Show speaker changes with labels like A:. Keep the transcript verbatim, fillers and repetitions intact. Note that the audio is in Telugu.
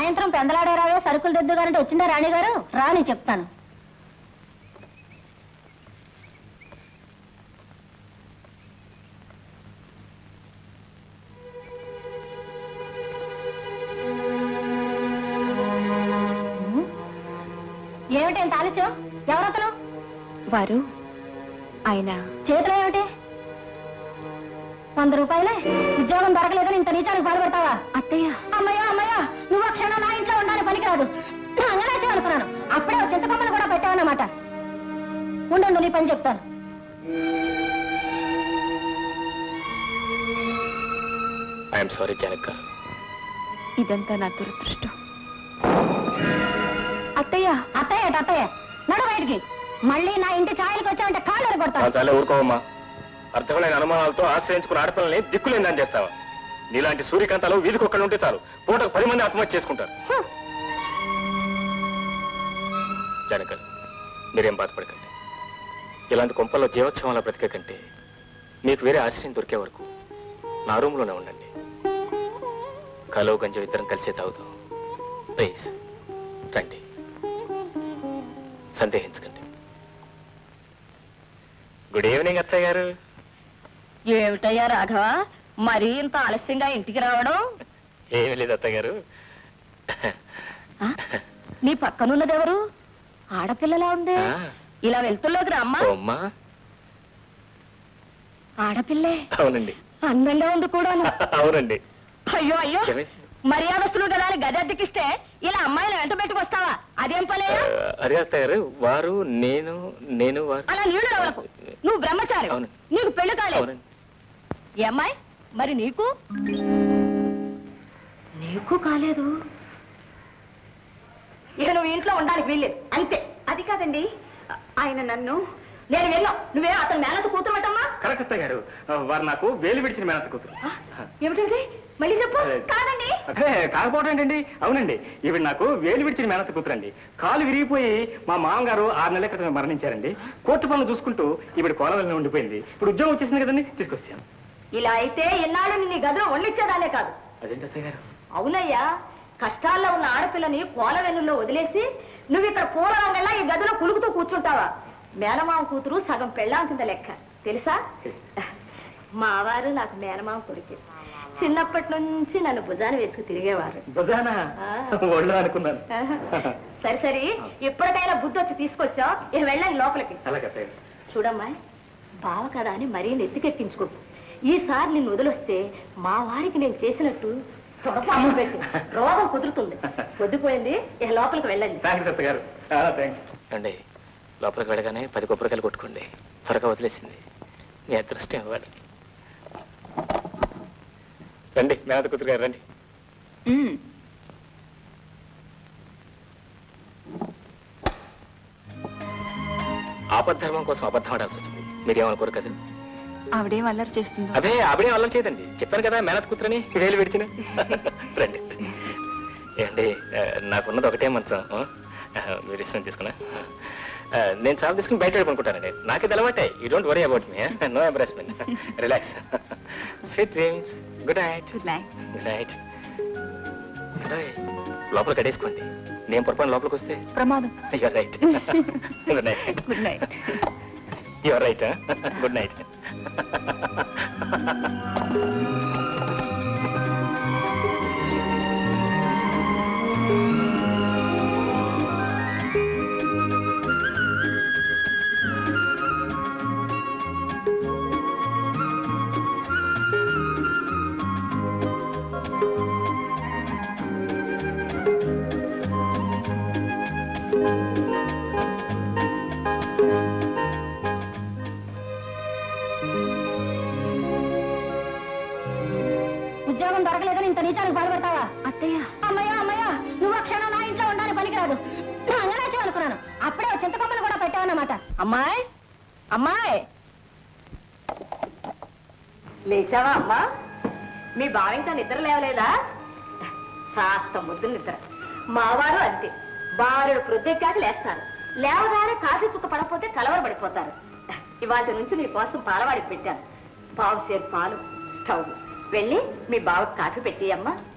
A: సాయంత్రం పెందలాడేరావే సరుకులు దిద్దుగారంటే వచ్చిందా రాణిగారు? రాని చెప్తాను. ఏమిటేంత ఆలస్యం? ఎవరతను?
B: వారు ఆయన
A: చేతిలో ఏమిటి? వంద రూపాయలే. ఉద్యోగం దొరకలేదని ఇంత నీచానికి బాధపడతావా?
B: అత్తయ్య.
A: అమ్మయ్యా అమ్మయ్యా, నువ్వు ఆ క్షణం నా ఇంట్లో ఉండాలని పనికిరాదు. అంగనాచే అనుకున్నాను. అప్పుడే చింతకొమ్మను కూడా పెట్టావన్నమాట. ఉండండు, నీ పని చెప్తాను.
C: ఐఎమ్ సారీ జనక,
B: ఇదంతా నా దురదృష్టం. అత్తయ్య.
A: అత్తయ్య అత్తయ్య, నడు బయటికి. మళ్ళీ నా ఇంటి ఛాయలకు వచ్చావంటే కాళ్ళు కొడతాను.
C: చాలా ఊరుకోవమ్మా. అర్థమైన అనుమానాలతో ఆశ్రయించుకున్న ఆడపిల్లల్ని దిక్కులేందని చేస్తావా? నీలాంటి సూర్యకాంతాలు వీధికొక్కడు ఉంటే చాలు, పూటకు పది మంది ఆత్మహత్య చేసుకుంటారు. జనక, మీరేం బాధపడకండి. ఇలాంటి కొంపల్లో జీవోత్సవంలో బ్రతికే కంటే మీకు వేరే ఆశ్రయం దొరికే వరకు నా రూమ్లోనే ఉండండి. కలో గంజం ఇద్దరం కలిసే తాగుతాం. ప్లీజ్ రండి, సందేహించకండి. గుడ్ ఈవినింగ్ అత్తయ్య గారు.
A: ఏమిటయ్యా రాఘవ, మరీ ఇంత ఆలస్యంగా ఇంటికి రావడం?
C: ఏమి లేదు అత్తయ్య గారు.
A: నీ పక్కనున్నదెవరు? ఆడపిల్లలా ఉంది. ఇలా వెళ్తుల్లోకి రామ్మా.
C: అమ్మా.
A: ఆడపిల్లే?
C: అవునండి.
A: అందంగా ఉంది కూడా.
C: అవునండి.
A: అయ్యో అయ్యో, మర్యాదస్తులు గల గద్దెక్కిస్తే ఇలా అమ్మాయిలు వెంట పెట్టుకొస్తావా? అదేం పలే?
C: అరే అత్తయ్య గారు, వారు నేను నేను వారు.
A: అలా నీళ్లు రావలకు. నువ్వు బ్రహ్మచారి, నీకు పెళ్లి కాలేదు. ఏ అమ్మాయి మరి? నీకు నీకు కాలేదు. ఇక నువ్వు ఇంట్లో ఉండడానికి వీల్లేదు, అంతే. అది కాదండి, ఆయన నన్ను నేను వెళ్ళాం. నువ్వే అతను మేనత కూతురు అటమ్మా?
C: కరెక్ట్ అత్తయ్య గారు, వారు నాకు వేలు విడిచిన మేనత కూతురు.
A: ఏమిటండి? మళ్ళీ చెప్పు. కాదండి.
C: అదే కాకపోవడం ఏంటండి? అవునండి, ఈవిడ నాకు వేలు విడిచిన మేనత కూతురండి. కాలు విరిగిపోయి మా మామగారు ఆరు నెలల క్రితం మరణించారండి. కోర్టు పనులు చూసుకుంటూ ఈవిడ కోలవల్ని ఉండిపోయింది. ఇప్పుడు ఉద్యోగం వచ్చేసింది కదండి, తీసుకొచ్చాను.
A: ఇలా అయితే ఎన్నాళ్ళని నీ గదిలో వండించేదాలే కాదు.
C: అదేంటి అత్తయ్య గారు?
A: అవునయ్యా, కష్టాల్లో ఉన్న ఆడపిల్లని కోలవెన్నుల్లో వదిలేసి నువ్వు ఇక్కడ పూలరంగల్లా ఈ గదిలో కులుకుతూ కూర్చుంటావా? మేనమామ కూతురు సగం పెళ్ళాం కింద లెక్క, తెలుసా? మావారు నాకు మేనమామ కొడుకు. చిన్నప్పటి నుంచి నన్ను భుజాన వేసుకు తిరిగేవారు.
C: భుజానా? ఒళ్ళు అనుకున్నాను.
A: సరి సరి, ఎప్పటికైనా బుద్ధి వచ్చి తీసుకొచ్చావు. ఇక వెళ్ళండి లోపలికి. చూడమ్మా, బావ కదా అని మరీ నెత్తికెక్కించుకో. ఈసారి నిన్ను వదిలొస్తే మా వారికి నేను చేసినట్టు తొడపాము పెట్టి రోగం కుదురుతుంది. పొద్దుపోయింది, ఇక లోపలికి వెళ్ళండి.
C: అండి, లోపలికి వెళ్ళగానే పది కొబ్బరికాయలు కొట్టుకోండి. త్వరగా వదిలేసింది. మీ అదృష్టం ఇవ్వాలి. రండి మేనత కూతురు గారు, రండి. ఆపద్ధర్మం కోసం అబద్ధం ఆడాల్సి వచ్చింది. మీరేమనుకోరు కదా?
B: ఆవిడేం అల్లరి చేస్తుందో?
C: అదే ఆవిడేం అల్లరి చేయదండి. చెప్పాను కదా, మేనత కూతురని వేలు విడిచిన. రండి. ఏమండి, నాకున్నది ఒకటే మంచం. మీరు ఇష్టం తీసుకున్నా. నేను చాలా తీసుకుని బయట అనుకుంటానండి. నాకే అలవాటే. You don't worry about me. No embarrassment. Relax. Sweet dreams. Good night.
B: Good night.
C: Good night. లోపల కడేసుకోండి. నేను పొరపాటు లోపలికి వస్తే
B: ప్రమాదం.
C: Your right. Good night.
B: Good night.
C: Your right. Good night.
A: ఉద్యోగం దొరకలేదని ఇంత నీచానికి బాధపడతావా?
B: అత్తయ్య.
A: అమ్మయ్యా అమ్మయ్యా, నువ్వు ఆ క్షణం నా ఇంట్లో ఉండడానికి పనికిరాదు. అంగనాచే అనుకున్నాను. అప్పుడే చింతకొమ్మలు కూడా పెట్టావన్నమాట. అమ్మాయి అమ్మాయి, లేచావా అమ్మా? మీ బావ ఇంకా నిద్ర లేవలేదా? కాస్త ముద్దు నిద్ర. మావారు అంతే, బారుడు ప్రొద్దెక్కాక లేస్తారు. లేవగానే కాఫీ చుక్క పడకపోతే కలవరపడిపోతారు. ఇవాటి నుంచి నీ కోసం పాలవాడికి పెట్టాను. పావు సేపు పాలు, స్టవ్. వెళ్ళి మీ బావకు కాఫీ పెట్టి అమ్మా.